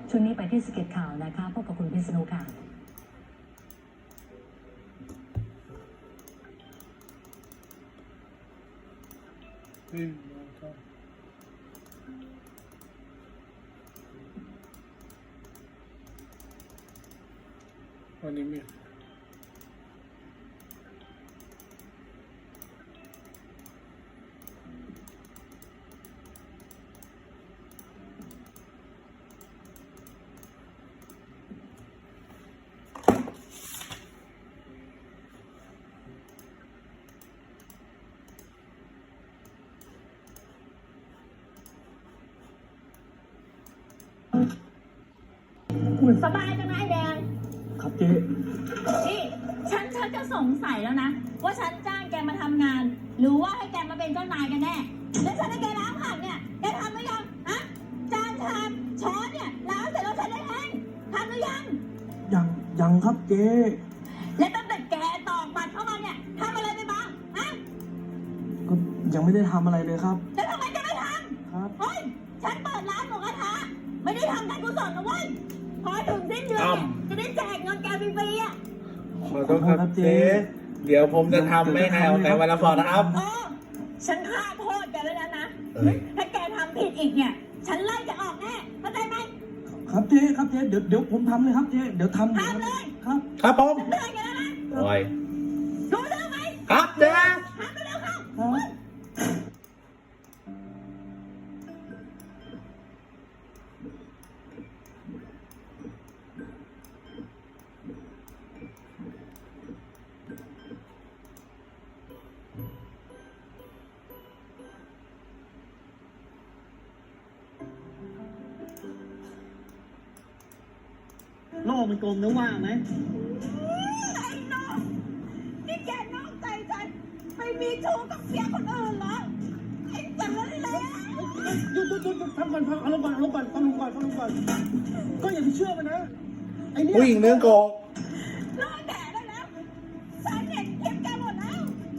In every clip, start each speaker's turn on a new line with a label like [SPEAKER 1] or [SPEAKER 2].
[SPEAKER 1] ช่วงนี้ไปที่สเก็ตข่าวนะคะพบกับคุณพิษณุค่ะ
[SPEAKER 2] วันนี้มี
[SPEAKER 3] สบายจังนะไอ้แดง
[SPEAKER 2] ครับเจ๊
[SPEAKER 3] นี่ฉันจะสงสัยแล้วนะว่าฉันจ้างแกมาทำงาน หรือว่าให้แกมาเป็นเจ้านายกันแน่แล้วฉันให้แกล้างผักเนี่ยแกทำหรือยังฮะจานชามช้อนเนี่ยล้างเสร็จแล้วฉันได้เองทำหรือยัง
[SPEAKER 2] ยังครับเจ๊
[SPEAKER 3] และตั้งแต่แกตอกบัตรเข้ามาเนี่ยทำอะไรไปบ้างฮะ
[SPEAKER 2] ก็ยังไม่ได้ทำอะไรเลยครับ
[SPEAKER 3] แล้วทำไมแกไม่ท
[SPEAKER 2] ครับ
[SPEAKER 3] ำเฮ้ยฉันเปิดร้านหมูกระทะไม่ได้ทำการกุศลนะเว้ยพอถึงสิ้นเดือนเนี่ยจะได้แจกเงินแกฟรีๆอ่ะ
[SPEAKER 4] ขอโทษครับเจ๊เดี๋ยวผมจะทำไม่ให้เอาแต่วันละพอนะครับ
[SPEAKER 3] เออฉันฆ่าโทษแกแล้วนะ
[SPEAKER 4] เอ้ย
[SPEAKER 3] ถ้าแกทำผิดอีกเนี่ย ฉันไล่จะออกแน่เข้าใจไหม
[SPEAKER 2] ครับเจ๊ครับเจ๊เดี๋ยวผมทำเลยครับเจ๊เดี๋ยวทำ
[SPEAKER 3] ทำเลย
[SPEAKER 2] ครับ
[SPEAKER 4] ครับผม
[SPEAKER 3] ฉันเตือนแกแล้วนะ
[SPEAKER 4] โอ้ย
[SPEAKER 3] รู้เรื่องไหม
[SPEAKER 4] ครับเจ๊
[SPEAKER 3] ทำไปเร็วเข้า
[SPEAKER 2] ครับโลกมันกลมนะว่าไหม
[SPEAKER 3] ไอ้น้องนี่แกนอกใจฉันไปมีชู้กับเสียคนอื่นเหรอไอ้สารเลว
[SPEAKER 2] หยุดฟังก่อนฟังอารมณ์ก่อนฟังลุงก่อนก็อย่าไปเชื่อมันนะไอ้เนี่ย
[SPEAKER 4] ผู้หญิงเรื่องโกง
[SPEAKER 3] รอแดดได้แล้วฉันเห็นคลิปแกหมดแล้ว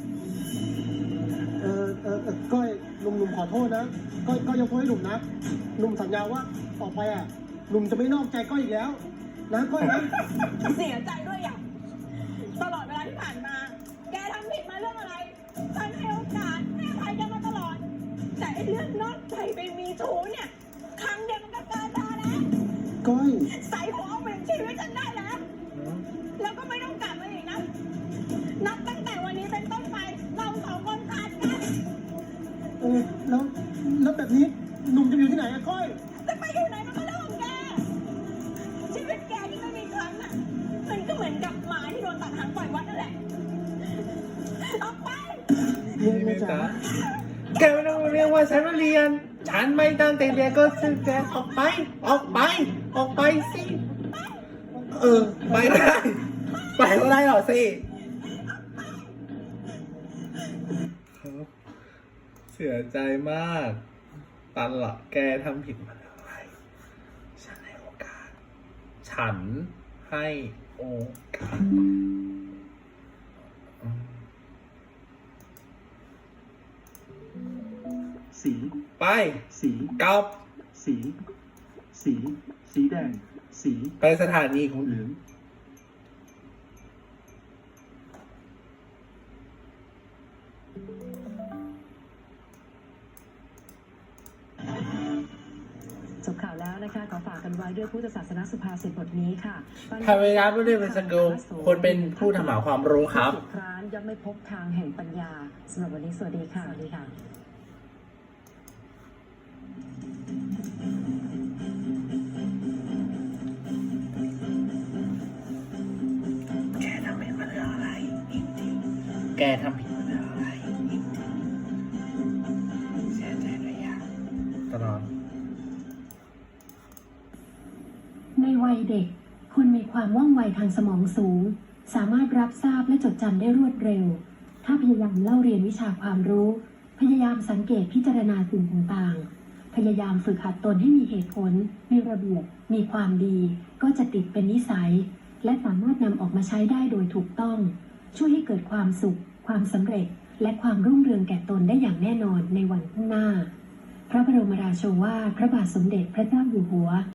[SPEAKER 2] ก้อยหนุ่มขอโทษนะก้อยยกโทษให้หนุ่มนะหนุ่มสัญญาว่าต่อไปอ่ะหนุ่มจะไม่นอกใจก้อยอีกแล้วนะก้อยนะ
[SPEAKER 3] เสียใจด้วยอย่างตลอดเวลาที่ผ่านมา แกทำผิดมาเรื่องอะไร ฉันให้โอกาสให้อภัยแกมาตลอด แต่ไอ้เรื่องนอกใจไปมีชู้เนี่ย ครั้งเดียวมันก็เกินพอแล้ว
[SPEAKER 2] ก้อย
[SPEAKER 3] ใส่หัวเอาเป็นชีวิตฉันได้แล้ว แล้วก็ไม่ต้องกลับมาอีกนะ นับตั้งแต่วันนี้เป็นต้นไป เราสองคนขาดกัน
[SPEAKER 2] แล้วแบบนี้หนุ่มจะอยู่ที่ไหนอะก้อย
[SPEAKER 3] จะไปอยู่ไหนมันก็เรื่องของแก ชีวิตแกที่ไม่มีครั้งอ่ะ มันก็เหมือนกับหมาที่โดนตัดหางปล่อยวัดนั่นแหละ ออกไป
[SPEAKER 4] นี่จ๊ะแกไม่ต้องมาเรียกว่าฉันมาเรียน ฉันไม่ตั้งใจเรียนก็ซื้อแกออกไปสิไปได้ไปก็ได้หรอสิครับเสียใจมากตันละแกทำผิดมาแล้วอะไรฉันให้โอกาส
[SPEAKER 2] สี
[SPEAKER 4] ไป
[SPEAKER 2] สี
[SPEAKER 4] กลับ
[SPEAKER 2] สีแดงสี
[SPEAKER 4] ไปสถานีของ
[SPEAKER 2] เหลือง
[SPEAKER 1] จบข่าวแล้วนะคะขอฝากกันไว้ด้วยพุทธศาสนสุภาษิตบทนี้ค่ะ
[SPEAKER 4] พระเวลาไม่ได้เป็นสกิลคนเป็นผู้ทำหาความรู้ครับ
[SPEAKER 1] ร้านย่อมไม่พบทางแห่งปัญญาสำหรับวันนี้สวัสดีค่ะสวัสดีค่ะ
[SPEAKER 4] แกทำผิดมาเรื่องอะไรแกทำผิดมาเรื่องอะไรเสียใจเลยอะตลอด
[SPEAKER 5] ในวัยเด็กคุณมีความว่องไวทางสมองสูง สามารถรับทราบและจดจำได้รวดเร็ว ถ้าพยายามเล่าเรียนวิชาความรู้ พยายามสังเกตพิจารณาสิ่งต่างๆ พยายามฝึกหัดตนให้มีเหตุผล มีระเบียบ มีความดี ก็จะติดเป็นนิสัย และสามารถนำออกมาใช้ได้โดยถูกต้อง ช่วยให้เกิดความสุข ความสำเร็จ และความรุ่งเรืองแก่ตนได้อย่างแน่นอนในวันข้างหน้า พระบรมราโชวาทพระบาทสมเด็จพระเจ้าอยู่หัว